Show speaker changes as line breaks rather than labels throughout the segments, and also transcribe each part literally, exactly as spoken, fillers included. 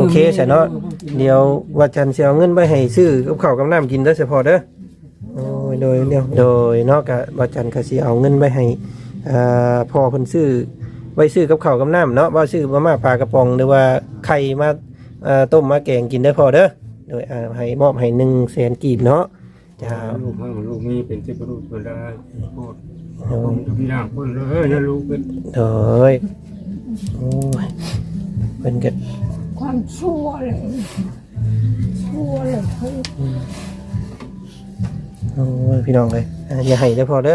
เคใช่เนาะเดี๋ยวว่าจันสิเอาเงินไปให้ซื้อกับข้าวกับน้ำกินเด้อเฉพาะเด้อโอ้ยโดยเดียวโดยเนาะก็ว่าจันก็สิเอาเงินไปให้อ่าพ่อเพิ่นซื้อไว้ซื้อกับข้าวกับน้ำเนาะว่าซื้อมาม่าปลากระป๋องหรือว่าไข่มาอ่าต้มมาแกงกินได้พอเด้อโดยอ่าให้มอบให้หนึ่งแสนกีบเนาะจ้า
ลูกให้ลูกมีเป็นที่ประดุษเป็นได้โคตรผมจะมีน้ำเพิ่นเลยนะลูกเป็น
โดยโอ้ยเป็นกัน
ความชั่วเลยชั่วเลยเฮ้ย
โอ้ยพี่น้องเลยอย่าให้ได้พอเด้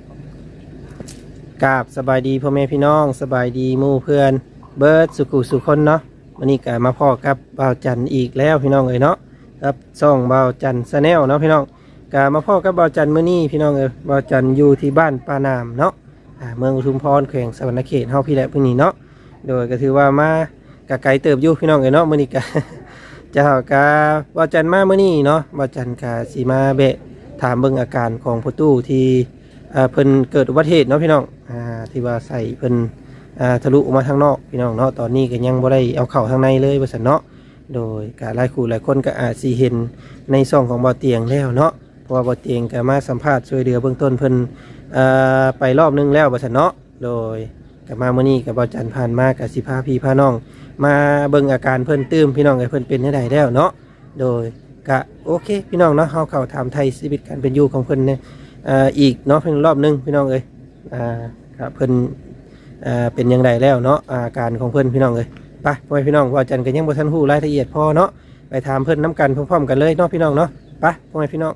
อกราบสบายดีพ่อแม่พี่น้องสบายดีหมู่เพื่อนเบิร์ดสุขุสุคนเนาะวันนี้ก็มาพ่อกับบ่าวจันอีกแล้วพี่น้องเอ้ยเนาะครับซ่องบ่าวจันชาแนลเนาะพี่น้องก็มาพ่อกับบ่าวจันมื้อนี้พี่น้องเอ้ยบ่าวจันอยู่ที่บ้านปานามเนาะอ่าเมืองอุทุมพรแขวงสวรรณเขตเฮาพี่แหละมื้อนี้เนาะโดยก็ถือว่ามากะไกลเติบอยู่พี่น้องเอ้ยเนาะมื้อนี้ก็จะเฮากะบ่าวจันมามื้อนี้เนาะบ่าวจันก็สิมาเบะถามเบิ่งอาการของพ่อตู้ที่อ่าเพิ่นเกิดอุบัติเหตุเนาะพี่น้องอ่าที่ว่าใส่เพิ่นอ่าทะลุออกมาทางนอกพี่น้องเนาะตอนนี้ก็ยังบ่ได้เอาเข้าทางในเลยว่าซั่นเนาะโดยก็หลายคู่หลายคนก็อาจสิเห็นในช่องของบ่อเตียงแล้วเนาะเพราะว่าบ่อเตียงก็มาสัมภาษณ์ช่วยเหลือเบื้องต้นเพิ่นอ่าไปรอบนึงแล้วว่าซั่นเนาะโดยก็มามื้อนี้ก็บ่จันผ่านมาก็สิพาพี่พาน้องมาเบิ่งอาการเพิ่นตื้มพี่น้องให้เพิ่นเป็นจังไดแล้วเนาะโดยก็โอเคพี่น้องเนาะเฮาเข้าถามไทยชีวิตการเป็นอยู่ของเพิ่นเนี่ยอ่าอีกเนาะเพิ่นรอบนึงพี่น้องเอ้ยอ่าครับเพิ่นอ่าเป็นยังไงแล้วเนาะอาการของเพื่อนพี่น้องเลยไปพ่อพี่น้องว่าจันกันยังบ่ทันฮู้รายละเอียดพอเนาะไปถามเพื่อนน้ำกันพร้อมๆกันเลยเนาะพี่น้องเนาะไปพ่อพี่น้อง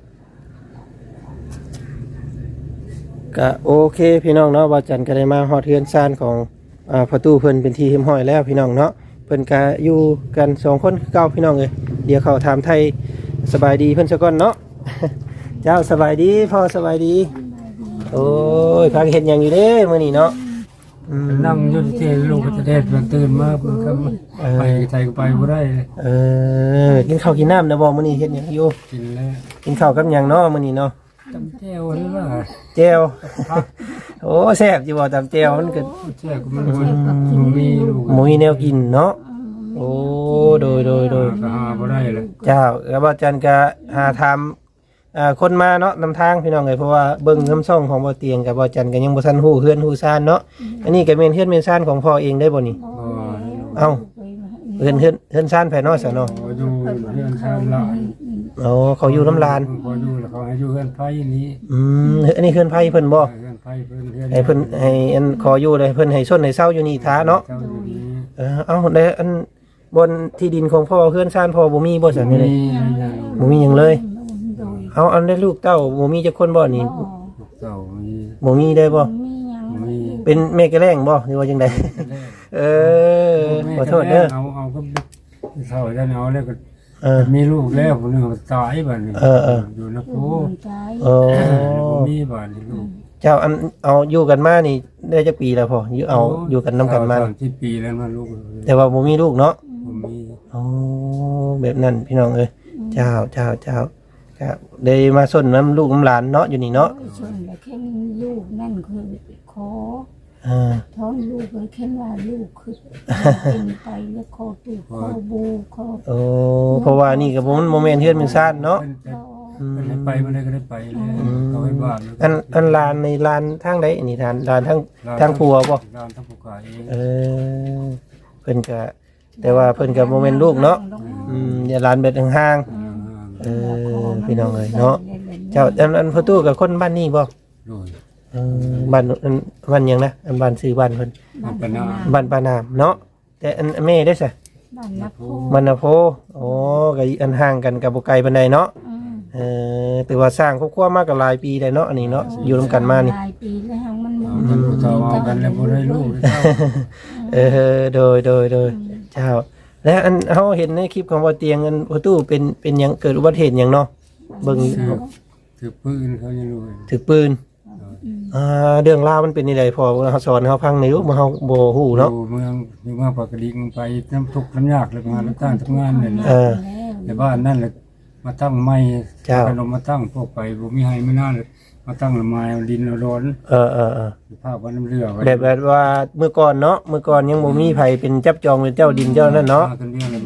ก็โอเคพี่น้องเนาะว่าจันก็ได้มาฮอดเฮือนซ่านของอ่าประตูเพิ่นเป็นที่เรียบร้อยแล้วพี่น้องเนาะเพิ่นก็อยู่กันสองคนคือเก่าพี่น้องเลยเดี๋ยวเขาถามไทยสบายดีเพิ่นซะก่อนเนาะ เจ้าสบายดีพ่อสบายดีโอ้ยพักเห็นอย่างอยู่เด้มื้อนี้เนาะ
นั่งอยู่ที่ลูกก็จะเด็ดมันตื่นมาเพิ่นก็ไปไทยก็ไปบ่ได้
เออกินข้าวกินน้ำนะบ่มื้อนี้เฮ็ดหยังอยู่
กินแล้ว
กินข้าวกับหยังเนาะมื้อนี้เนาะ
ตำแจ่วนี่ว่า
แจ่วโอ้แซ่บอยู่บ่ตำแจ่วมันก็
แจ่วก็มันบ่มีลูก
บ่มีแนวกินเนาะโอ้โดยโดยโดย
ก็หาบ่ได้เลย
เจ้าแล้วบ่จันก็หาถามอ่าคนมาเนาะนำทางพี่น้องเอ้ยเพราะว่าเบิ่งน้ำซ่องของบ่เตียงกับบ่จันก็ยังบ่ทันฮู้เฮือนฮู้ซ่านเนาะอันนี้ก็แม่นเฮือนแม่นซ่านของพ่อเองได้บ่นี่เอ้าเฮือนเฮือนเฮือนซ่านไผเนาะซะเนาะ
อยู่เฮือนซ่านหลาน
อ๋อเขาอยู่น้ำลาน
พออยู่แล้วเขาให้อยู่เฮือนไผนี้
อืมอันนี้เฮือนไผเพิ่นบ่
เฮือนไผเพิ่น
ให้เพิ่นให้อันขออยู่เลยเพิ่นให้ชนให้เซาอยู่นี่ท้าเนาะเออเอ้าได้อันบนที่ดินของพ่อเฮือนซ่านพ่อบ่มีบ่ซั่นนี่เลยบ่มีหยังเลยเอาอันได้ลูกเต้าบ่มีจักคนบ่นี่
ลูกเต้ามี
บ่มีได้บ่
มี
เป็นแม่กะแรงบ่หรือว่าจังได๋เออขอโทษเด้อ
เอาเอาก็เฒ่าแล้วเอาแล้วก็เออมีลูกแล้วคนนึงตายบัดนี้
เออๆ
อยู่นะโพ
เออ
บ่มีบัดนี้ลูก
เจ้าอันเอาอยู่กันมานี่ได้จักปีแล้วพ่ออยู่เอาอยู่กันนำกันมา
สามสิบปีแล้วนะลูก
แต่ว่าบ่มีลูกเนาะ
บ่มี
อ๋อแบบนั้นพี่น้องเอ้ยเจ้าเจ้าเจ้าครับได้มาส้นน้ำลูกน้ำหลานเนาะอยู่นี่เนาะ
ส้นแต่แค่ลูกนั่นคือขอท้องลูกเลยแค่ว่าลูกคือเป็นไปแล้วคอตูคอบูคอ
โอ้เพราะว่านี่กับผมโมเมนต์เฮือนมันซ่านเนาะ
ไปมาได้ก็ได้ไปเลยเอาไว้บ้าน
อันอันลานในลานทางใดอันนี้ทานลานทางทางผัวบ่
ลานทางผัวเอง
เออเพิ่นก็แต่ว่าเพิ่นกับโมเมนต์ลูกเนาะอืมอย่าลานเบ็ดห่างๆเออพี่น้องเอ้ยเนาะเจ้าอันอันพ่อตู้กับคนบ้านนี้บ่เออบ้านอันบ้านยังนะอันบ้านซื้อบ้านเพิ่น
บ้านปานาม
บ้านปานามเนาะแต่อันแม่ได้ซะ
บ้านนาโพ
บ้านนาโพโอ้ก็อันห่างกันกับบ่ไกลปานใดเนาะเออแต่ว่าสร้างครอบครัวมาก็หลายปีได้เนาะอันนี้เนาะอยู่ร่วมกันมานี่
หลายปีแล้วมัน
มันต่อเอากันแล้วบ่ได้ลูก
เออโดยโดยโดยเจ้าแล้วอันเฮาเห็นในคลิปของบ่เตียงอันพ่อตู้เป็นเป็นหยังเกิดอุบัติเหตุหยังเนาะเบิ่ง
ถือปืนเขายังรู้
ถือปืนอ่าเรื่องราวมันเป็นนี่ได้พอเฮาสอนเฮาฟังในยุคมาเฮาบ่ฮู้เนาะ
อยู่เมืองอยู่เมืองปากกดิ่งไปน้ำทุกข์น้ำยากแล้วมาแล้วตั้งทำงานนี่
เออ
ในบ้านนั่นแหละมาตั้งไม้ขนมมาตั้งพวกไปบ่มีให้ไม่น่าเลยมาตั้งละไม้ดินร้อน
เออๆ
ๆภาพว่าน้ำเรือ
แบบแบบว่าเมื่อก่อนเนาะเมื่อก่อนยังบ่มีไผเป็นจับจองเป็นเจ้าดินเจ้านั่นเนาะ
กันเรื่องละไม้เฮา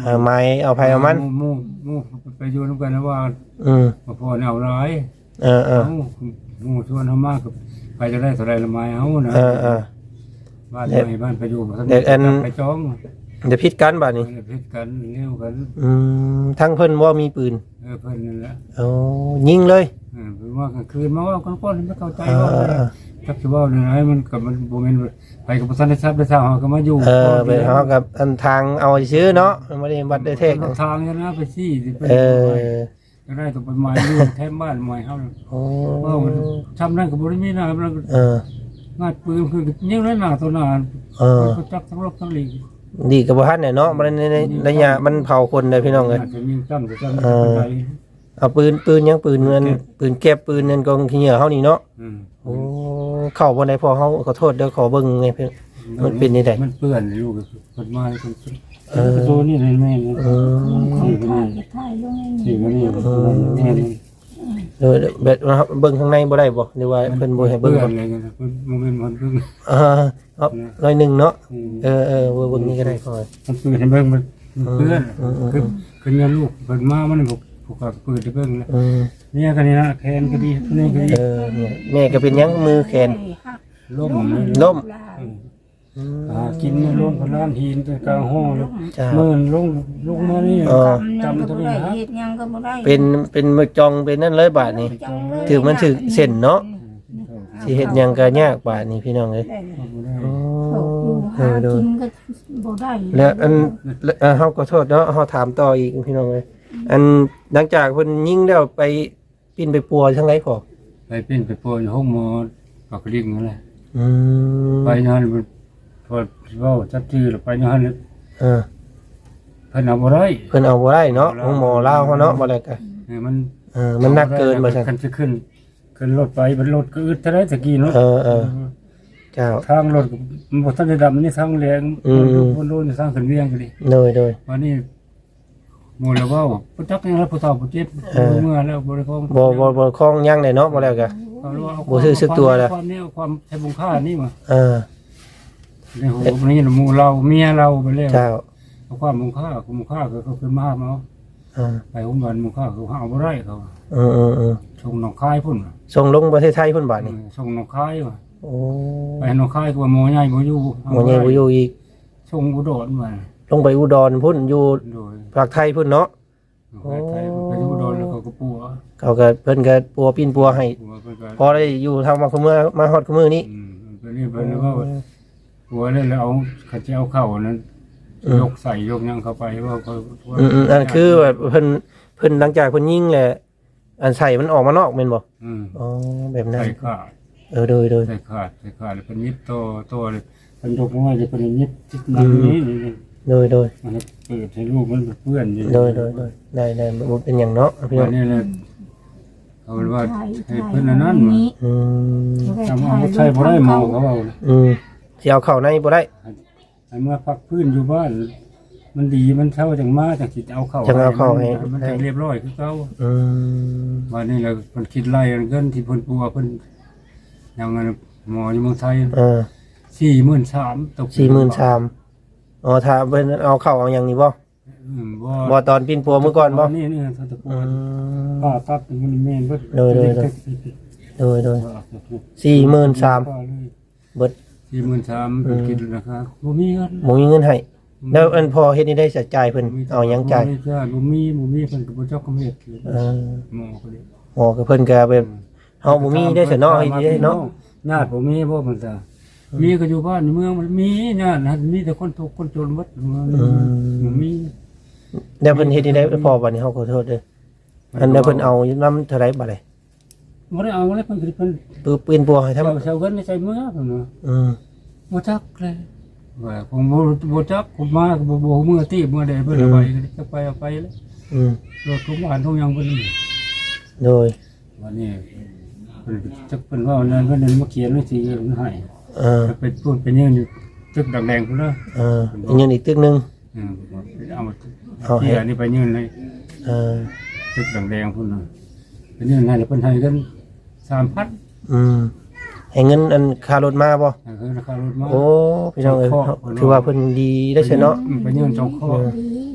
เอาไม้เอาไผเอามัน
หมู่หมู่หมู่ไปอยู่นํกันนะว่า
อืม
บ่พอแนวร้าย
เออเออ
เอ้าหมู่ชวนเฮามาก็ไปจะได้เท่าไรละไม้เฮานะ
เออเออ
บ้านใหม่บ้านไปอยู่บ่ทัน
เด็กอัน
ไปจอง
เดี๋ยวพิดกันบัดนี้
เพิ่นกันเร็วกัน
อืมทั้งเพิ่นบ่มีปืน
เออเพิ่นนั่นแหละ
โอ้ยิงเลย
เออเพิ่นว่ากลางคืนมาว่าคนคนไม่เข้าใจ
เอ
ว่า
อเออ
จักสิเว้าเรื่องไหนมันก็มันบ่แม่นไปกับบ่ทันได้ทราบได้ทราบเฮาก็มาอยู่
เออไปเฮากับอันทางเอาซื้อเนาะบ่ได้บัดได้เทก
ทางเนี่ยนะไปซี่สิไป
เออ
จะได้ต้องไปหมายอยู่แถมบ้านหมายเฮา
โอ้
ว่ามันทำนั่นก็บ่ได้มีนะมัน
เออ
งาดปืนคือยิงแล้วหน้าตัวหน้า
เออ
ก็จักทั้งรบทั้งหลีก
ดีกับบ่ทันเนี่ยเนาะมันในในระยะมันเผาคนได้พี่น้องเอ้ย
อาจจะยิงตั้งจะตั้ง
เออ
ไป
เอาปืนปืนยังปืนเงินปืนเก็บปืนเงินกองขี้เหยื่อเฮานี่เนาะ
อืม
โอ้เข้าบ่ได้พอเฮาขอโทษเด้อขอเบิ่งไงเพิ่น มันเป็นนี่ได้
มันเปื้อนอยู่กับคนมาคน
เออ
ตัวนี้เลยแม่
เออ
ของถ่ายก็ถ่ายลงให้
สี่คนนี้
เออ
แม่นี่
เออแบบเบิ่งข้างในบ่ได้บ่หรือว่าเพิ่นบ่ให้เบิ่ง
เปื้อ
บ่
นเลยกันมันเป็นมันเพิ่ง
เออเอาหน่อยหนึงเนาะเออเออเบิ่งนี่ก็ได้พอ
มันเปื้อนเห็นเบิ่งมันเปื้อน
เออเออ
คือคือเงินลูกเพิ่นมามันผูกผูกกับปืนที่เบิ่งแล้ว
เออ
เนี่ยกันนี่นะแขนก็ดีนี่ก็ดี
เออเนี่ยแม่ก็เป็นหยังมือแขน
ล้ม
ล้ม อืม
หากินล้มพลานหินกลางห้องแล้ว
จ้า
เมื่อนลงลงมานี่
เออ
จำก็บ่ได้เฮ็ดหยังก็บ่ได้
เป็นเป็นมือจองเป็นนั่นเลยบาทนี่ ถือมันถือเส้นเนาะ สิเฮ็ดหยังก็ยากบาทนี่พี่น้องเอ้ยโอ้
ตกอยู่
เอ
หา
อโด
กิ
ย
นก็บ่ได้
แล้วอันแล้วเอ่อเฮาก็โทษเนาะเฮาถามต่ออีกพี่น้องเอ้ยอันหลังจากเพิ่นยิงแล้วไปปิ้นไปปัวทางไหนพอ
ไปเป็นไปโปรยห้องหมอปากลิงนั่นแหละ
อืม
ไปนอนมันพอเว้าจับชื่อแล้วไปนอน
เออ
เพิ่นเอาบ่ได้
เพิ่นเอาบ่ได้เนาะของหมอลาวเฮาเนาะบ่ได้ก็
เออมัน
เออมันหนักเกินบ่ซั่น
คันจะขึ้นขึ้นรถไปมันรถก็อึดเท่าไรตะกี้เนาะ
เออเออ เจ้า
ทางรถก็มันบ่ทันได้ดำนี่ทางแรง
อืม
มันโดนทางขึ้นเวียงก็ดิ
โดยโดย
วันนี้หมู่แล้วเว้าบ่จักยังแล้วผู้เฒ่าผู้เจ็บ
เออ
เมื่อแล้วบ่ได้ของ
บ่บ่บ่คล้องยังได้เนาะบ่แล้วก็
เอาแล้วเอา
บ่ซื้อสึกตัวแล้ว
ความนี้ความใช้บุญค่านี่มา
เออ
ในโหนี่หมู่เราเมียเราไปแล้ว
เจ้า
เอาความบุญค่าความบุญค่าก็เขาขึ้นมาเนาะ
เออ
ไปโรงพยาบาลบุญค่าเขาเอาบ่ได้เขา
เออเออเออ
ส่งหนองคายพุ่น
ส่งลงประเทศไทยเพิ่นบาดนี่
ส่งหนองคายว่ะ
โอ้
ไปหนองคายก็ว่าหมอใหญ่บ่อยู่
หมอใหญ่บ่อยู่อีก
ส่งอุดรมา
ลงไปอุดรพุ่นอยู่
โดย
ภาคไทยพุ่นเนาะ
ไปไทยไปอุดรแล้วเขาก็ปัว
เขาก็เพิ่นก็ปัวปิ้นปัวให้
ปัวเพิ่นก็
พอได้อยู่ทางมาคุมื้อมาฮอดคุมื้อนี้
อืมเพิ่นนี่เพิ่นว่าปัวแล้วแล้วเอาเขาจะเอาเข้านั้นยกใส่ยกหยังเข้าไปว่าเขา
อืมอืมอันคือแบบเพิ่นเพิ่นหลังจากเพิ่นยิงแหละอันใส่มันออกมานอกแม่นบ่
อืม
อ๋อแบบนั้น
ใส่ขาด
เออโดยโดย
ใส่ขาดใส่ขาดแล้วเป็นยิบโตโตเลยเป็นยกมาจะเป็นยิบจิตนั้นนี้นี่
โดยโดย
มันเปิดให้ลูกมันเปื้อนอยู่
โดยโดยโดยได้ได้บ่เป็นหยังเนาะพี่น้
วั
อน ง
นี้เลยเอาเป็นว่าให้เพื่อนอันนั้นมา
อืม
ทำเอาใช้บ่ได้หมอเขาเอา
อืมสิเอาเข้าในบ่ได้
ไอ้เมื่อพักพื้นอยู่บ้าน มันดีมันเท่าจังมาจังสิเอาเข้า
จังเอาเข้าให้
มันจะเรียบร้อยคือเก่า
อืม
วันนี้เราเพิ่นคิดไล่เงินที่เพิ่นปัวเพิ่นอย่างนั้นหมออยู่เมืองไทย
เออ
สี่หมื่นสามตก
สี่หมื่นสามอ๋อถ้าเพิ่นเอาเข้าเอาหยังนี่บ่
อืมบ่
บ่ตอนปิ้นปัวมื้อก่อนบ่
นี่นี่เขาตะปู
อืม
ป้าตัดมันแม่นเบิด
โดยโดยโดย โดยโดยสี่หมื่นสามเบิด
สี่หมื่นสามเป็นกินนะครับบ่มีเงิน
หมูมีเงินให้แล้วอันพอเฮ็ดนี่ได้จะจ่ายเพิ่นเอาหยังจ่าย
บ่มีจ่ายบ่มีบ่มีเพิ่นก็บ่เจ้าก็เฮ็ด
เออ
หมอก็เลย
หมอก็เพิ่นก็แบบเฮาบ่มีได้ซะเนาะเฮ็ดได้เนาะ
ญาติบ่มีบ่มันตามีก็อยู่บ้านในเมืองมันมีญาตินะมีแต่คนทุกข์คนจนหมดบ่มี
แล้วเพิ่นเฮ็ดนี่ได้พอบัดนี้เฮาขอโทษเด้ออันแล้วเพิ่นเอานำเท่าไหร่บัดนี้
บ่ได้เอาเลยเพิ่นก็เพิ่น
ปืนปืนปัวให้ทำ
เจ้าเจ้าเงินในใจเมืองเพิ่นว่า
อืม
บ่จักเลยว่าผมบ่บ่จักผมมาก็บ่บ่มือตีมือใดเพิ่นเอาไปก็จะไปเอาไปเลย
อืม
รถทุกบ้านทุกอย่างเพิ่น
โดย
วันนี้เพิ่นจักเพิ่นว่านั้นเพิ่นมาเขียนไว้สิเพิ่นให้
เออ
ไปพูดไปยืนอยู่ตึกแดงๆพุ่นเด้อ
เอออีกเงินอีกตึกหนึง
อืมเอามา
เอาให้
เฮียนี่ไปยืนเลย
เออ
ตึกแดงๆพุ่นน่ะไปยืนให้แล้วเพิ่นให้กันสามพัน
อืมให้เงินอันค่ารถมาบ่
นั่นคือราคารถมา
โอ้พี่น้องเอ้ยถือว่าเพิ่นดีได้อเสียเนาะ
อืมไปยืนสองข้อ
ดี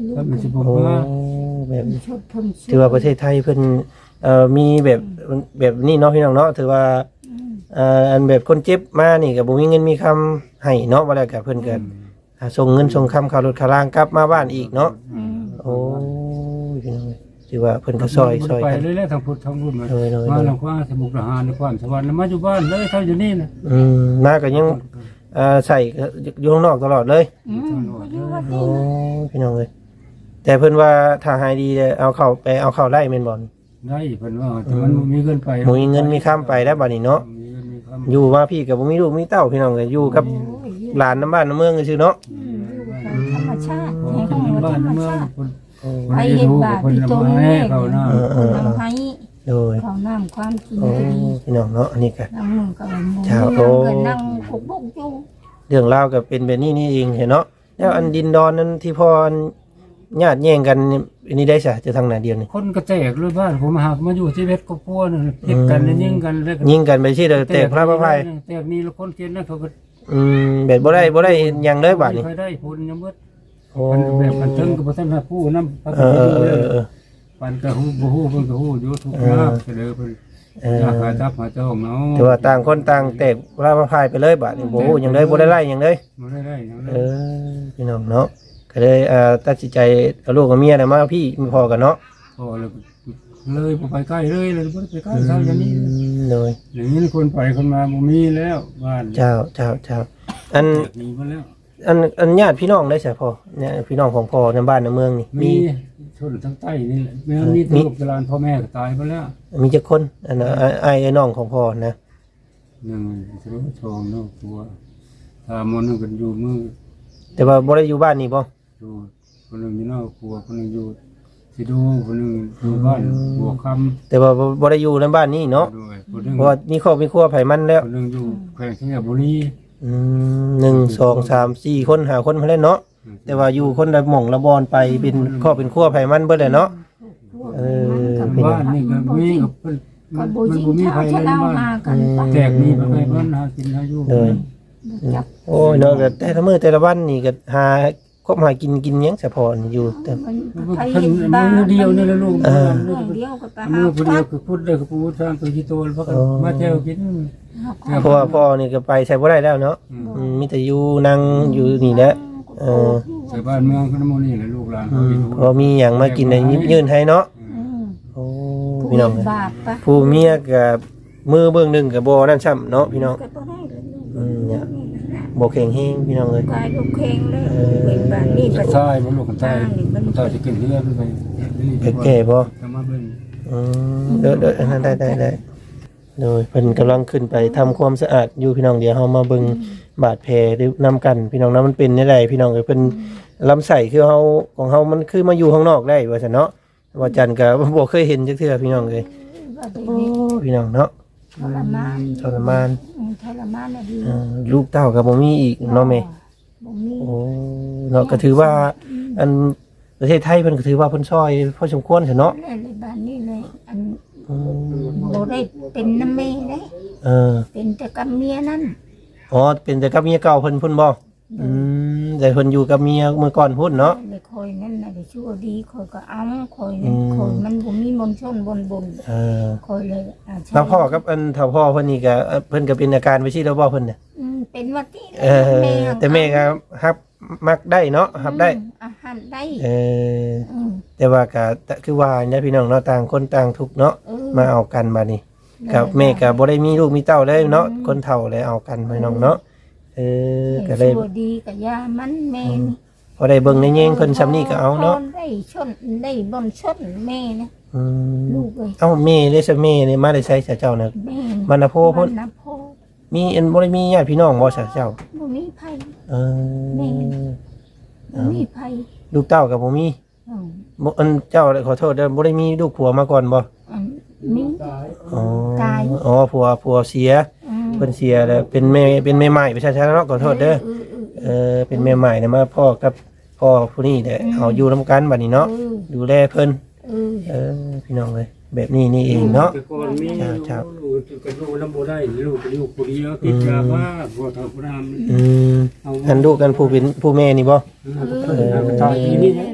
ลูก
ถ้ามันสิบ่
โอ้
มา
แบบ
ชดเพิ่น
ถือว่าประเทศไทยเพิ่นเอ่อมีแบบแบบนี้เนาะพี่น้องเนาะถือว่าเอ่ออันแบบคนเจ็บมานี่ก็บ่มีเงินมีคำให้เนาะว่าแล้วก็เพิ่นก็อ่าส่งเงินส่งคำค่ารถค่าล่างกลับมาบ้านอีกเนาะ
อืม
โอ้ยพี่น้องเอ้ยถือว่าเพิ่นก็ซอยซอย
ไป
กัน
เลยแล้วทางพุทธทางรุ่นมา
โดยโดย
มาแล้วว่าสมุทรทหารในความสวรรค์แล้วมาอยู่บ้านเลยเท่าอยู่นี่นะ
อืมมาก็ยังเอ่อใส่อยู่ข้างนอกตลอดเลย
อืมก็อยู่ว่า
โอ้
ที่
ยพี่น้องเอ้ยแต่เพิ่นว่าถ้าหายดีเนี่ยเอาเข้าไปเอาเข้าได้แม่นบ่
ได้เพิ่นว่าแต่มันบ่มีเงินไป
บ่มีเงินมีค้ำไปแล้วบัดนี้เนาะ
มีเงินมีคำ
อยู่มาพี่ก็บ่มีลูกมีเต้าพี่น้องเอ้ยอยู่กับ
โอ้ยอยู่
หลานน้ำบ้านน้ำเมืองซื่อๆเนาะ
อืมอยู่กับธรรมชาติ
เพราะ
ให้
ว่า
ของ
เป็น
ธ
บ้าร น
รม
เมือง
ชาติ
คน
ไปเห็นบาปที่ตรง
ให้
นี้
เขาหน้า
เออเออ
น้ำให้
โดย
เขาน้ำความกิน
โอ้
ก็ดี
พี่น้องเนาะอันนี้ก็
นั่งมึงกับมึง
ชาว
นั่ง
โอ้
ก็นั่งกุกบุกอยู่
เรื่องราวก็เป็นแบบนี้นี่เองเห็นเนาะแล้วอันดินดอนนั้นที่พ่ออันญาติแย่งกันนี่อันนี้ได้ซะจะทางไหนเดียวนี่
คนก็แตกเลยบ้านผมหากมาอยู่ที่เวทก็พัวนึงเฮ็ดกันแล้วยิงกันแล้วก็
ยิงกันไปที่เด้อแตกพระพระภัย
แตกนี่แล้วคนเกณฑ์นั่นเขาก็
อืมแบบบ่ได้บ่ได้หยังเลยบาดนี้
เคยได้ผลยังเบิด
โอ้
มันแบบมันถึงกับบ่ทันได้ผู้นำ
เออเออเออเออ
ปันก็ฮู้บ่ฮู้เพิ่นก็ฮู้อยู่ทุกข์ยากเสดอเพิ่น
เออ
อยากหาจับหาจ้องเนาะ
แต่ว่าต่างคนต่างแตกพระพระภัยไปเลยบาดนี้บ่ฮู้หยังเลยบ่ได้ไล่หยังเลย
บ่ได้ได้หยังเล
เอย อพี่น้องเนาะก็เลยเอ่อตัดสินใจเอาลูกกับเมียน่ะมาพี่มีพอกันเนาะ
พอแล้วเลยบ่ไปใกล้เลยเลยบ่ได้ไปใกล้เท่าอย่างนี้
เลย
อย่างนี้คนไปคนมาบ่มีแล้วบ้าน
เจ้าเจ้าเจ้าอัน
มีมาแล้ว
อันอันญาติพี่น้องได้ใช่พอเนี่ยพี่น้องของพ่อในบ้านในเมืองนี่
มี
มี
ชนทั้งใต้นี่แหละแม่มีลูกหลานพ่อแม่ก็ตายไปแล้ว
มีจักคนอันน่ะไอ้ไอ้ไอ้น้องของพ่อนะ
หนึ่งสรุปชองเนาะตัวถ้ามนต์กันอยู่มือ
แต่ว่าบ่ได้อยู่บ้านนี่บ่
อยู่คนหนึงอยู่นอกครัวคนหนึงอยู่สิดูคนหนึงอยู่บ้านบัวคำ
แต่ว่าบ่บ่ได้อยู่ในบ้านนี่เนาะ
ด้วยคนหนึง
เพราะว่ามีครอบมีครัวไผมันแล้ว
คนหนึงอยู่แขวงสิงห์บุรี
อืมหนึ่งสองสามสี่คนห้าคนมาแล้วเนาะแต่ว่าอยู่คนละหม่องละบอนไปเป็นครอบเป็นครัวไผมันเบิดเลยเนาะ เออ
บ้านนี่ก็มีกับเพิ่น
ก็
มัน
บ่
มัน
ยิง
บ่มี
ชา
ใคร
ชะ
เลยใน
เล่า
บ้าน
หากันไป
แตกนี่มันไปเพิ่นหากินหาอยู่
เลย
จับ
โอ้ยเนาะก็แต่ละมื้อแต่ละวันนี่ก็หาคบหากินกินหยังเฉพาะนี่อยู่แต่
มัน
เพิ่น
ไปเห็นบ้า
มือเดียวนี่แหละลูก
เออ
เรื่องเดียวก็ไปหา
มือผู้เดียว
พัก
คือพูดได้คือพูดสร้างตัวที่โตแล้วก็มาเที่ยวกิน
หา
เพราะว่าพ่อนี่ก็ไปใช้บ่ได้แล้วเนาะอืมมีแต่อยู่นั่งอยู่นี่แหละเออ
ใส่บ้านเมืองคนนั้นนี่แหละลูกหลานเขาอยู่
พอมีหยังมากินได้ยิบยื่นให้เนาะ
อืม
โอ้
ผู้
พี่น้อง
เฮ็ดบาปปะ
ผู้เมียกับมือเบื้องหนึงก็บ่นั่นซ้ำเนาะพี่น้อง
ก็บ่ได้เลยลูก
อืมเนี่ยบ่แข็งแรงพี่น้องเอ้ย
กายลูกเคงเลยเป็นบ้านนี่
จะ
เป็น
ใต้บ่ลูกกันใต้ใต้จะกินเรือไปนี่
แก่ๆบ่
จะมาเบิ่ง
อืมเด้อเด้ออันนั้นได้ได้ได้โดยเพิ่นกำลังขึ้นไปทำความสะอาดอยู่พี่น้องเดี๋ยวเฮามาเบิ่งบาดแผลได้นํกัน พี่น้องนะมันเป็นจังไดพี่น้องเอ้ยเพิ่นลำไส้คือเฮาของเฮามันคือมาอยู่ข้างนอกได้ว่าซั่นเนาะว่าจันก็บ่เคยเห็นจักเทื่อพี่น้องเอ้ย
ว่าเป็น
โอ้พี่น้องเนาะ
ทรมาน
ทรมาน
อืมทรมานน่ะดี
เอ่อลูกเต้าก็บ่มีอีกเนาะแม่
บ่มี
โอ้เนาะก็ถือว่าอันประเทศไทยเพิ่นก็ถือว่าเพิ่นช่วยพอสมควรเถอะเนาะ
เลยเลยบ้านนี่เลยอัน
อืม
บ่ได้เป็นน้ำแม่เด้
เออ
เป็นแต่กับเมียนั่น
อ๋อเป็นแต่กับเมียเก่าเพิ่นพุ่นบ่อืมแต่เพิ่นอยู่กับเมียเมื่อก่อนพุ่นเนาะ
เลยคอยนั่นน่ะได้ชั่วดีคอยก็เอาคอยนั่นคอยมันบ่มีมนต์ชนบนบน
เออ
คอยเลยอ่าใช่
แล้วพ่อกับอันถ้าพ่อเพิ่นนี่ก็เอ่อเพิ่นก็เป็นอาการไปซี่แล้วบ่เพิ่นน่ะ
อืมเป็นว่าที่
เออแต่แม่ก็ฮับมักได้เนาะฮับได้
อาหารได้
เออ
อืม
แต่ว่าก็แต่คือว่าเนี่ยพี่น้องเนาะต่างคนต่างทุกข์เนาะ
เออ
มาเอากันบัดนี้กับแม่ก็บ่ได้มีลูกมีเต้าเลยเนาะคนเฒ่าเลยเอากันพี่น้องเนาะเออก็เลย
ชั่วดีกับยามันแม่นี่
พอได้เบิ่งในแยงเพิ่นซ้ำนี่ก็เอาเนาะ
พได้ชนได้บนชนแม่นะ
อืม
ลูกเอ้ย
เอ้าแม่ได้ซะแม่นี่มาได้ใช้เจ้าน่ะ
แม่
บรรณโพพุ่น
บรรณโพ
มีอันบ่ได้มีญาติพี่น้องบ่ซะเจ้า
บ่มีไผ
เออ
บ่มีไผ
ลูกเต้าก็บ่มี
อืม
บ่อันเจ้าขอโทษเด้อบ่ได้มีลูกผัวมาก่อนบ่
อันมี
อ๋อ
ตาย
อ๋อผัวผัวเสีย
อืม
เพิ่นเสียแล้วเป็นแม่เป็นแม่ใหม่ประชาชนเนาะขอโทษเด้อ
เออ
เออเป็นแม่ใหม่เนี่ยมาพ่อกับพ่อผู้นี้แหละเอาอยู่นํกันบัดนี้เนาะ
เออ
ดูแลเพิ่น
เออ
เออพี่น้องเอ้ยแบบนี้นี่เองเนาะ
แต่ก่อนมี
ครับ
ลูกก็ลูกน้ำบ่ได้ลูกก็อยู่ผู้เดียวติดยาบ้าบ่ทำผู้นำ
อืมอันลูกกันผู้เป็นผู้แม่นี่บ่
เออตายทีนี้
แม่ลูกเดี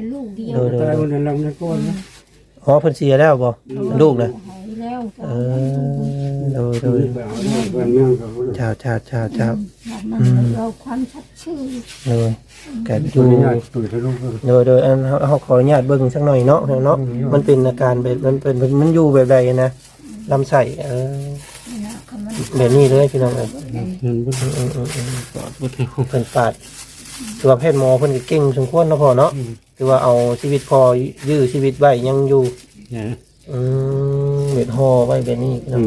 ดียว
โดยโด
ตาย ยคนนั้นลำในก้อนนะ
อ๋อเพิ่นเสียแล้วบ่ลูกนะ
หายแล้ว
เออโดยโดย
แบบเพื่อนเมืองเขา
ชาวชาวชาวชาว
มันเราความชัดชื่อ
โดยก็อ
ดู
ยู่
ง่ายตุ๋ยทะลุก็
โดยโดยอันเฮาเฮาขออนุญาตเบิ่งสักหน่อยเนาะเนาะมันเป็นอาการแบบมันเป็นมันอยู่แบบใดนะลำไส้เออแบบนี้เลยพี่น้องเอ้ย
เงินบุญ
อืมอืมอืม
ปอดบุญให้คุ้ม
เพิ่นปาดคือว่าแพทย์หมอเพิ่นก็เก่งสมควรเนาะพ่อเนาะคือว่าเอาชีวิตพอยื้อชีวิตไว้ยังอยู่
เนี่ย
อืมเบ็ดห่อไว้แบบนี้พี่น้
อื
อง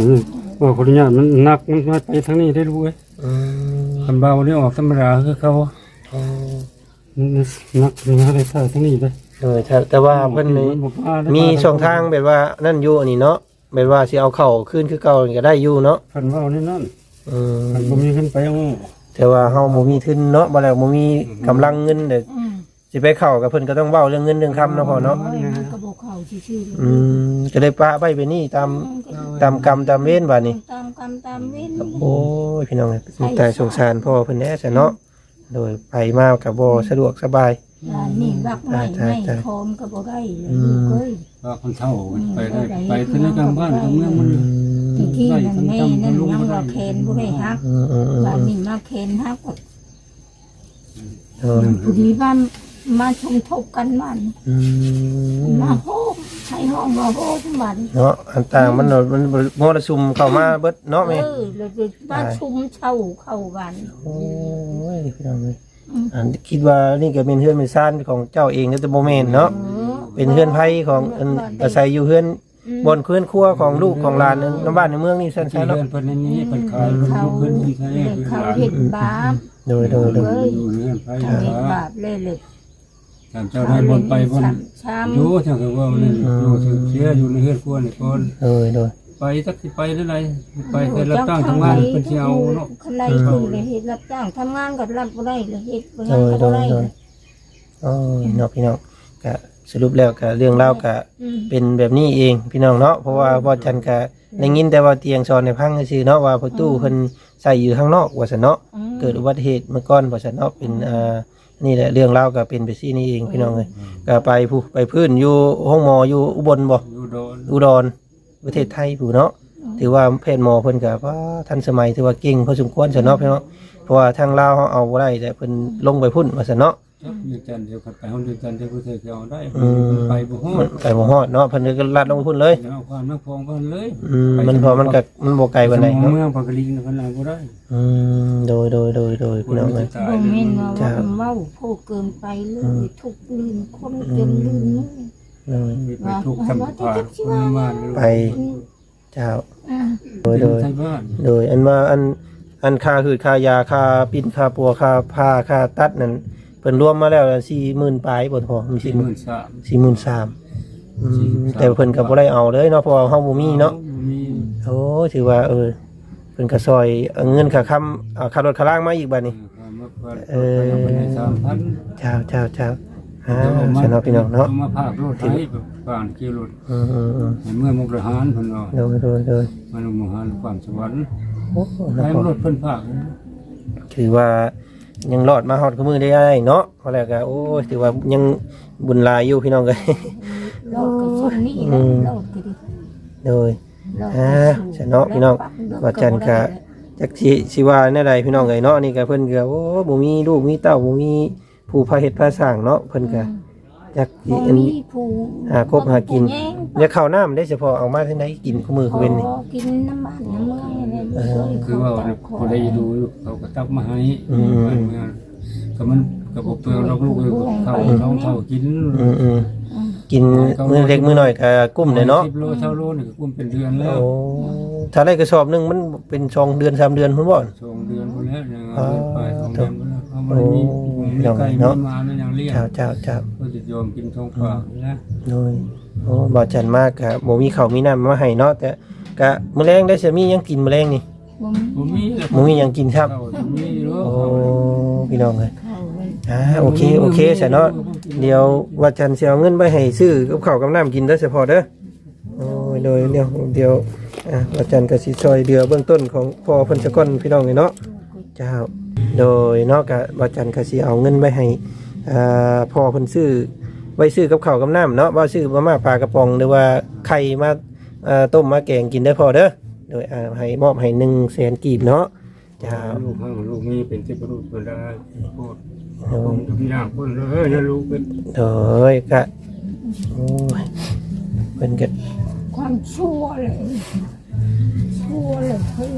มว่าคนนี้มันหนักมันมาไปทางนี้ได้รู้ไหม
อืม
คันเบาเนี่ยออกธรรมดาคือเขา
อ๋อ
นักมาได้ใส่ทางนี้เลย
เออแต่แต่ว่าเพิ่นนี่มีช่องทางแบบว่านั่นอยู่อันนี้เนาะแบบว่าสิเอาเข้าขึ้นคือเก่านี่ก็ได้อยู่เนาะ
คันเบานี่นั่น
อืม
คันบ่มีขึ้นไปเอา
แต่ว่าเฮาบ่มีทุนเนาะบ่แล้วบ่มีกำลังเงินเด้อสิไปเข้ากับเพิ่นก็ต้องเว้าเรื่องเงินเรื่องคำเนาะพ่อเนาะ
กระบอกเขาชื่อ
อืมก็เลยปะไว้ไปนี่ตามตามกรรมตามเวรบัดนี้
ตามกรรมตามเว้น
โอ้ยพี่น้องเอ้ยสงสารสงสารพ่อเพิ่นแน่ซะเนาะโดยไปมาก็บ่สะดวกสบาย
นี่รักไม่ไม่คอมก็บ่ได้เลยเอ้ย
ว่าคนเฒ่าไปได้ไปที่ในกลางบ้านกลางเมืองมัน
ที่ที่นั่นแม่นั่นยังว่าแคนบ่ได้ฮัก
อืมอืมอืม
ว่านี่มาแคนฮักก็
เออ
ผู้ดีว่ามาชมทบกันมัน
อืม
มาโฮมใช้ห้องมาโฮมมัน
เนาะอันต่างมันเนาะมันมรสุมเข้ามาเบิดเนาะ
เอ
แม่
อแล้วมาชุมเช่าเข้ากัน
โอ้ยพี่น้องเอ้ยอันคิดว่านี่ก็เป็นเฮือนเป็นซ่านของเจ้าเองแต่บ่แม่นเนาะเป็นเฮือนไผของอันอาศัยอยู่เฮือนบนเฮือนครัวของลูกของหลานในบ้านในเมืองนี่ซั่น
ที่
ๆ
เดิ
เนาะ
นเพิ่นนี้เพิ่นขายเพิ่น
เขา
ขึ้นที่ใช้
เขาเห็นบาป
โดยโดยโดย
เอ้ย
อยู่เรื่องไป
เขาเห็น
หา
บาปเลยเลย
ตามเจ้าได้บนไปบน
ช้
อยู่เท่ากับว่ามันอยู่เสียอยู่ในเฮือนครัวนี่ก่อน
โดยโดย
ไปสักสิไปได้ไรไปเคยรับจ้างทำงานเพิ่นสิเอาเนาะ
คนใดคือเลยเฮ็ดรับจ้างทำงานก็รับบ่ได้เลยเฮ็ดบ่
โด
งาน
ย
ก็
โด
บ่
ย
ได้
โดยโอ้ยเนาะพี่น้องก็สรุปแล้วก็เรื่องเล่าวก็
อืม
เป็นแบบนี้เองพี่น้องเนาะเพราะว่าบ่จันก็ได้ยินแต่ว่าเตียงซอนในพังซื่อๆเนาะว่าประตูเพิ่นใส่อยู่ข้างนอกว่าซั่นเนาะ
อืม
เกิดอุบัติเหตุเมื่อก่อนว่าซั่นเนาะเป็นอ่านี่แหละเรื่องราวก็เป็นไปซี่นี่เองพี่น้องเอ้ยก็ไปผู้ไปพื้นอยู่ห้องหมออยู่อุบลบ่
อยู่โดน
อุดรประเทศไทยผู้เนาะถือว่าแพทย์หมอเพิ่นก็ว่าทันสมัยถือว่าเก่งพอสมควรซั่นเนาะพี่น้องเพราะว่าทางลาวเฮาเอาบ่ได้แต่เพิ่นลงไปพุ่นว่าซั่นเนาะ
จักอยู่จันเดียวกันไปห้องเดียวกันเดียวเธอจะเอาได้
อืม
ไปบ่ฮอ
มั
ด
นไปบ่ฮอดเนาะเพิ่นก็ลัดลงไปพุ่นเลย
เอาความนักพองเพิ่นเลย
อืมมันพอมันก็มันบ่ไกลปานใด
เมื
เนาะ
องปากกลิงเพิ่นเอาบ่ได้
อืมโดยโดยโดยโดยพี่น้องเอ้ย
บ่แม่นว่าว่าเว้าพูดเกินไปเลยทุกลืมคนจนลืมนึก
โดย
ไปทุกข์ทำผ่านบ้าน
ไปเจ้า
อืม
โดยโดย
ใช้บ้าน
โดยอันว่าอันอันค่าคือค่ายาค่าปิ้นค่าปัวค่าผ้าค่าตัดนั่นเพิ่นรวมมาแล้วสี่หมื่นปลายบ่พอมี
สี่
สี่
ห
ห
มื่
มื่
น
น
สาม
สี่หมื่นสามอืมแต่เพิ่นก็บ่ได้เอาเลยเนาะเพราะว่าเฮาบ่มีเนาะ
มี
โอ้ถือว่าเออเพิ่นก็ซอยเอาเงินค่าค้ำเอาค่ารถค่าล่างมาอีกบัดนี้
เออสามพัน
เจ้าเจ้าเจ้าอ่าสนอพี่น้องเนาะ
มาภาครถไทยผ่านกิโล
อืมอืมอืม
เมื่อมุกดาหารเพิ่นเนาะ
โดยโดยโดย
มาลงมุกดาหารความสวรรค์
โอ้
ใช้รถเพิ่นภาค
ถือว่ายังรอดมาฮอดกับมือได้เนาะเพราะแล้วก็โอ้ยถือว่ายังบุญหลายอยู่พี่น้องเอ้ย
โลกก็ช่วงนี้แหละโลกก็ดี
โดย
โลก
อ่า
ก็สู้
สนอพี่น้องว่าจันก็จักสิสิว่าแนวใดพี่น้องเอ้ยเนาะนี่ก็เพิ่นก็โอ้บ่มีลูกมีเต้าบ่มีผู้พาเฮ็ดพาสร้างเนาะเพิ่นก็จักสิ
บ่
อัน
มีผู้
หาคบหากิน
แย่ง
อย่าเข้าน้ำได้เฉพาะเอามาที่ไหนกินคู่มือ
ข
คือ
อ
เว้นนี่
กินน้ำมันน้ำเมืองอะไร
เออ
คือว่าคนได้ดูเขาก็ตักมาให้ก็มันก็บ่เปลืองลูกๆเขาน้องเขากิน
อืมอืมกินมื้อเล็กมื้อน้อยก็กุ้มได้เนาะ
สิบโลเท่าโลนี่ก็กุ้มเป็นเดือนแล้ว
โอ้ถ้าได้กระสอบหนึงมันเป็นสองเดือนสามเดือนพุ่นบ่
สองเดือนพอแล้วเนี่ยเดือนไปสองเดือนพอแล้วเขาไม่ได้มีมีไก่มีมาแล้วยังเลี้ยง
เจ้าเจ้าเจ้า
ก็จะยอมกินทองฝากนะ
โดยโอ้บ่จันมากก็บ่มีข้าวมีน้ำมาให้เนาะแต่ก็มื้อแลงได้สิมีหยังกินมื้อแลงนี่
บ่มี
ผมมี
บ่มีหยังกินครับ
เขามีเนาะ
โอ้พี่น้องเอ้ย
เข้าเลย
อ่าโอเคโอเคซะเนาะเดี๋ยวว่าจันสิเอาเงินไปให้ซื้อกับข้าวกับน้ำกินเด้อเฉพาะเด้อโอ้ยโดยเดี๋ยวเดี๋ยวอ่าว่าจันก็สิช่วยเหลือเบื้องต้นของพ่อเพิ่นซะก่อนพี่น้องเอ้ยเนาะเจ้าโดยเนาะก็ว่าจันก็สิเอาเงินไปให้อ่าพ่อเพิ่นซื้อไว้ซื้อกับข้าวกับน้ำเนาะว่าซื้อมาม่าปลากระป๋องหรือว่าไข่มาเอ่อต้มมาแกงกินได้พอเด้อโดยอ่าให้มอบให้หนึ่งแสนกีบเนาะจ้า
ลูกข้างลูกมีเป็นที่ประดุษเวลาพูดผมทุกอย่างคนเลยนะลูกเป็น
โดยกะโอ้ยเป็นกะ
ความชั่วเลยชั่วเลยเฮ้ย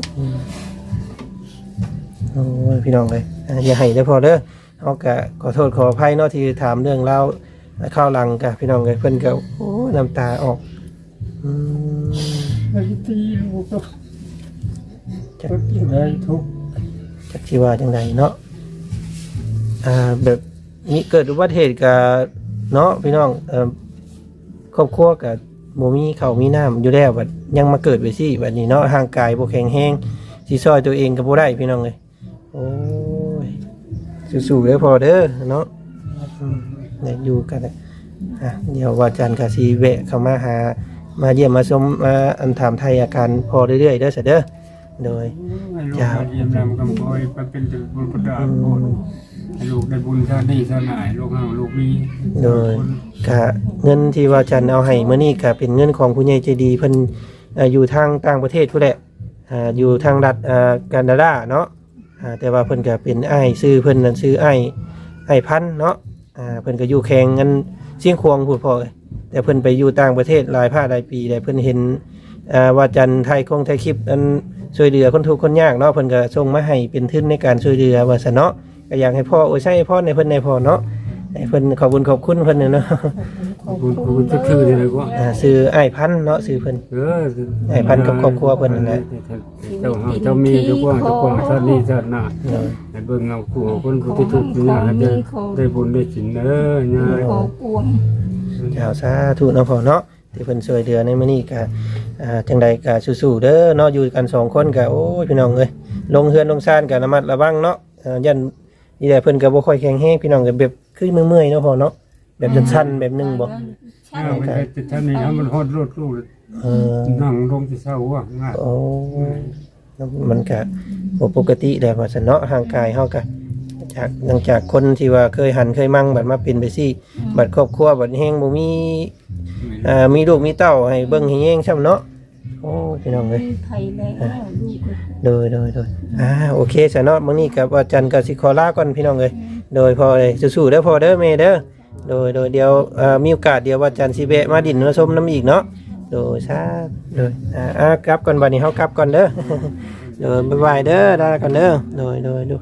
โอ้ยพี่น้องเลยอ่าอย่าให้ได้พอเด้อเอากะขอโทษขออภัยเนาะที่ถามเรื่องเล่าวข้าวหลังกะพี่น้องเลยเพิ่นก็โอ้ยน้ำตาออกอืม
ไอ้ตีลูกก็ก็ได้ทุก
จักสิว่าจังไดเนาะอ่าแบบนี้เกิดอุบัติเหตุกับเนาะพี่น้องเอ่อครอบครัวกับบ่มีข้าวมีน้ำอยู่แล้วบัดยังมาเกิดไปสิบัดนี้เนาะร่างกายบ่แข็งแรงสิซอยตัวเองก็บ่ได้พี่น้องเอ้ยโอ้ยสู้ๆเด้อพอเด้อเนาะเนี่ยอยู่กันน่ะอ่ะเดี๋ยวว่าจันทร์ก็สิแวะเข้ามาหามาเยี่ยมมาชมมาอันถามไทยอาการพอเรื่อยๆเด้อซะเด้อโดย
ให้ลูกได้เยี่ยมนำกำคอยไปเป็นถึงบุญประดาโคนให้ลูกได้บุญชาตินี้ชาติหน้าลูกห้าลูกมี
โดยกะเงินที่ว่าจันเอาให้เมื่อนี้กะเป็นเงินของผู้ใหญ่ใจดีเพิ่นเอ่ออยู่ทางต่างประเทศผู้แหละอ่าอยู่ทางรัฐอ่าแคนาดาเนาะอ่าแต่ว่าเพิ่นก็เป็นอ้ายชื่อเพิ่นนั่นชื่ออ้ายอ้ายพันธุ์เนาะอ่าเพิ่นก็อยู่แข่งเงินเชียงควงพูดพอเลยแต่เพิ่นไปอยู่ต่างประเทศหลายภาคหลายปีแต่เพิ่นเห็นอ่าว่าจันไทยคงไทยคลิปนั้นช่วยเหลือคนทุกข์คนยากเนาะเพิ่นก็ส่งมาให้เป็นทุนในการช่วยเหลือว่าซั่นเนาะก็อยากให้พ่อโอ้ยใช่พ่อในเพิ่นในพ่อเนาะให้เพิ่นขอบคุญขอบคุณเพิ่นเนาะ
บุญบุญจะคืออะไรก็
อ่าซื้ออ้ายพันธุ์เนาะซื้อเพิ่น
เออ
ไอ้พันกับครอบครัวเพิ่นนั่นแหละ
เจ้าหาเจ้ามีเจ้ากว้างเจ้ากว้างชาตินี้ชาติหน้าให้เบิ่งเอาคู่คนผู้ที่ทุกข์ยากให้ได้ได้บุญได้สินเด้อยาย
ขอปวง
เจ้าสาธุเนาะพ่อเนาะที่เพิ่นช่วยเหลือในมื้อนี้ก็อ่าจังใดก็สู้ๆเด้อเนาะอยู่กันสองคนก็โอ้ยพี่น้องเอ้ยลงเฮือนลงซ่านก็ระมัดระวังเนาะอ่ายันนี่แหละเพิ่นก็บ่ค่อยแข็งแรงพี่น้องก็แบบคือเมื่อยๆเนาะพ่อเนาะแบบสั่นๆแบบนึงบ่
ฉัน
ถ้ามันได้แต่ท่านนี้ถ้ามันฮอดรถลูก
เออ
นั่งลงที่เศร้าว่าง่าย
โอ้มันก็บ่ปกติแหละว่าซั่นเนาะร่างกายเฮาก็จากหลังจากคนที่ว่าเคยหันเคยมั่งบัดมาเป็นไปซี่บัดครอบครัวบัดแฮงบ่มีอ่ามีลูกมีเต้าให้เบิ่งให้แยงช่ำเนาะโอ้พี่น้องเอ้ย
มีไผแล้วลูก
โดยโดยโดยอ่าโอเคซะเนาะมื้อนี้กับอาจารย์ก็สิขอลาก่อนพี่น้องเอ้ยโดยพอเลยสู้ๆเด้อพ่อเด้อแม่เด้อโดยโดยเดี๋ยวเอ่อมีโอกาสเดี๋ยวอาจารย์สิแวะมาดินมาชมน้ำอีกเนาะโดยซาโดยอ่าอ่ากลับก่อนบัดนี้เฮากลับก่อนเด้อ โดยบ๊ายบายเด้อลาก่อนเด้อโดยโดยดู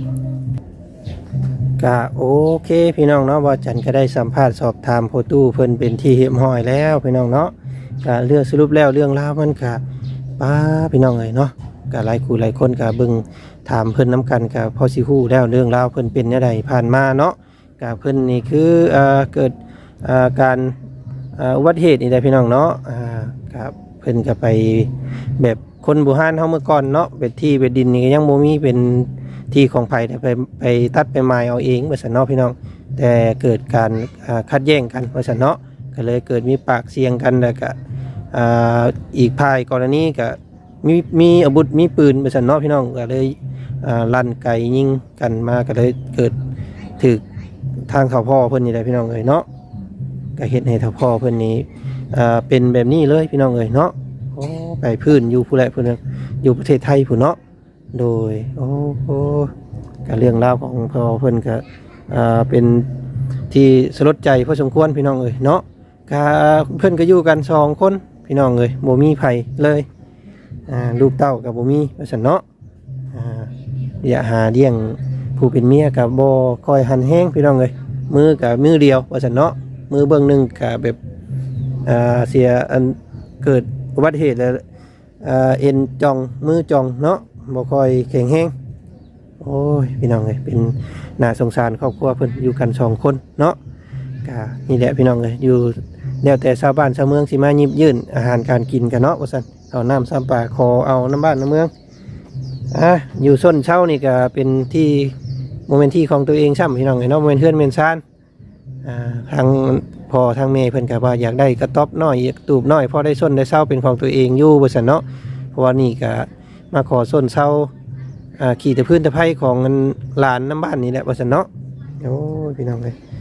ก็โอเคพี่น้องเนาะว่าอาจารย์ก็ได้สัมภาษณ์สอบถามโพตู้เพิ่นเป็นที่เรียบร้อยแล้วพี่น้องเนาะก็เรื่องสรุปแล้วเรื่องราวมันก็ป้าพี่น้องเอ้ยเนาะก็หลายคู่หลายคนก็เบิ่งถามเพิ่นน้ำกันก็พอสิฮู้แล้วเรื่องราวเพิ่นเป็นจังไดผ่านมาเนาะก็เพิ่นนี่คือเอ่อเกิดเอ่อการเอ่ออุบัติเหตุนี่แหละพี่น้องเนาะอ่าครับเพิ่นก็ไปแบบคนโบราณเฮาเมื่อก่อนเนาะเป็นที่เป็นดินนี่ก็ยังบ่มีเป็นที่ของไผแต่ไปไปตัดไปไม้เอาเองว่าซั่นเนาะพี่น้องแต่เกิดการอ่าขัดแย้งกันว่าซั่นเนาะก็เลยเกิดมีปากเสียงกันแล้วก็อ่าอีกภายกรณีก็มีมีอาวุธมีปืนว่าซั่นเนาะพี่น้องก็เลยอ่าลั่นไกยิงกันมาก็เลยเกิดถึกทางเฒ่าพ่อเพิ่นนี่แหละพี่น้องเอ้ยเนาะก็เฮ็ดให้เฒ่าพ่อเพิ่นนี้อ่าเป็นแบบนี้เลยพี่น้องเอ้ยเนาะโอ้ไปพื้นอยู่ผู้ใดผู้หนึงอยู่ประเทศไทยผู้เนาะโดยโอ้โหก็เรื่องราวของพ่อเพิ่นก็อ่าเป็นที่สลดใจพอสมควรพี่น้องเอ้ยเนาะก็เพิ่นก็อยู่กันสองคนพี่น้องเอ้ยบ่มีไผเลยอ่าลูกเต้าก็บ่มีว่าซั่นเนาะอ่าอย่าหาเลี้ยงผู้เป็นเมียก็บ่ค่อยหันแฮงพี่น้องเอ้ยมือก็มือเดียวว่าซั่นเนาะมือเบิ่งหนึงก็แบบอ่าเสียอันเกิดอุบัติเหตุแล้วอ่าเอ็นจ่องมือจ่องเนาะบ่ค่อยแข็งแรงโอ้ยพี่น้องเอ้ยเป็นน่าสงสารครอบครัวเพิ่นอยู่กันสองคนเนาะก็นี่แหละพี่น้องเอ้ยอยู่แล้วแต่ชาวบ้านชาวเมืองสิมาหยิบยื่นอาหารการกินกันเนาะว่าซั่นเอาน้ำซ้ำปลาขอเอาน้ำบ้านน้ำเมืองอ่ะอยู่ส้นเช่านี่ก็เป็นที่โมเมนต์ที่ของตัวเองซ้ำพี่น้องเอ้ยเนาะโมเมนต์เฮือนเมนซานอ่าทางพ่อทางแม่เพิ่นก็ว่าอยากได้กระต๊อบน้อยอยากตูบน้อยพอได้ส้นได้เช่าเป็นของตัวเองอยู่ว่าซั่นเนาะเพราะว่านี่ก็มาขอส้นเช่าอ่าขี่แต่พื้นแต่ไผ่ของหลานน้ำบ้านนี่แหละว่าซั่นเนาะโอ้ยพี่น้องเอ้ยอ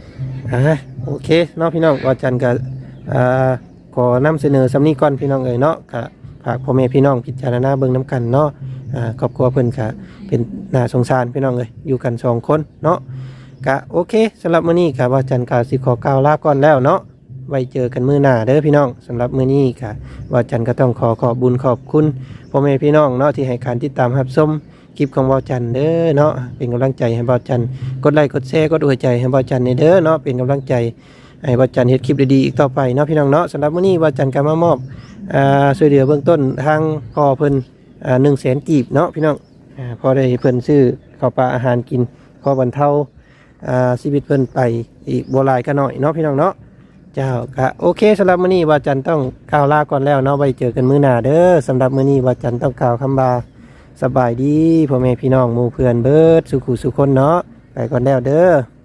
อ่าโอเคเนาะพี่น้องว่าจันก็อ่าขอนำเสนอสำนี้ก่อนพี่น้องเอ๋ยเนาะก็ฝากพ่อแม่พี่น้องพิจารณาเบิ่งน้กันเนาะอ่าครอบครัวเพิ่นก็เป็นน่าสงสารพี่น้องเอ้ยอยู่กันสองคนเนาะก็โอเคสำหรับมื้อนี้ก็ว่าจันก็สิขอกล่าวลาก่อนแล้วเนาะไว้เจอกันมื้อหน้าเด้อพี่น้องสำหรับมื้อนี้ก็ว่าจันก็ต้องขอขอบบุญขอบคุณพ่อแม่พี่น้องเนาะที่ให้การติดตามรับชมคลิปของบ่าวจันเด้อเนาะเป็นกำลังใจให้บ่าวจันกดไลค์กดแชร์กดหัวใจให้บ่าวจันเด้อเนาะเป็นกำลังใจให้บ่าวจันเฮ็ดคลิปดีๆอีกต่อไปเนาะพี่น้องเนาะสำหรับมื้อนี้บ่าวจันก็มามอบอ่าช่วยเหลือเบื้องต้นทางพ่อเพิ่นอ่า หนึ่งแสน กีบเนาะพี่น้องอ่าพอได้เพิ่นซื้อข้าวปลาอาหารกินพอบรรเทาอ่าชีวิตเพิ่นไปอีกบ่หลายก็น้อยเนาะพี่น้องเนาะเจ้าก็โอเคสำหรับมื้อนี้บ่าวจันต้องกล่าวลาก่อนแล้วเนาะไว้เจอกันมื้อหน้าเด้อสำหรับมื้อนี้บ่าวจันต้องกล่าวคำบาสบายดีพ่อแม่พี่น้องหมู่เพื่อนเบิดสุขุสุคนเนาะไปก่อนแล้วเด้อ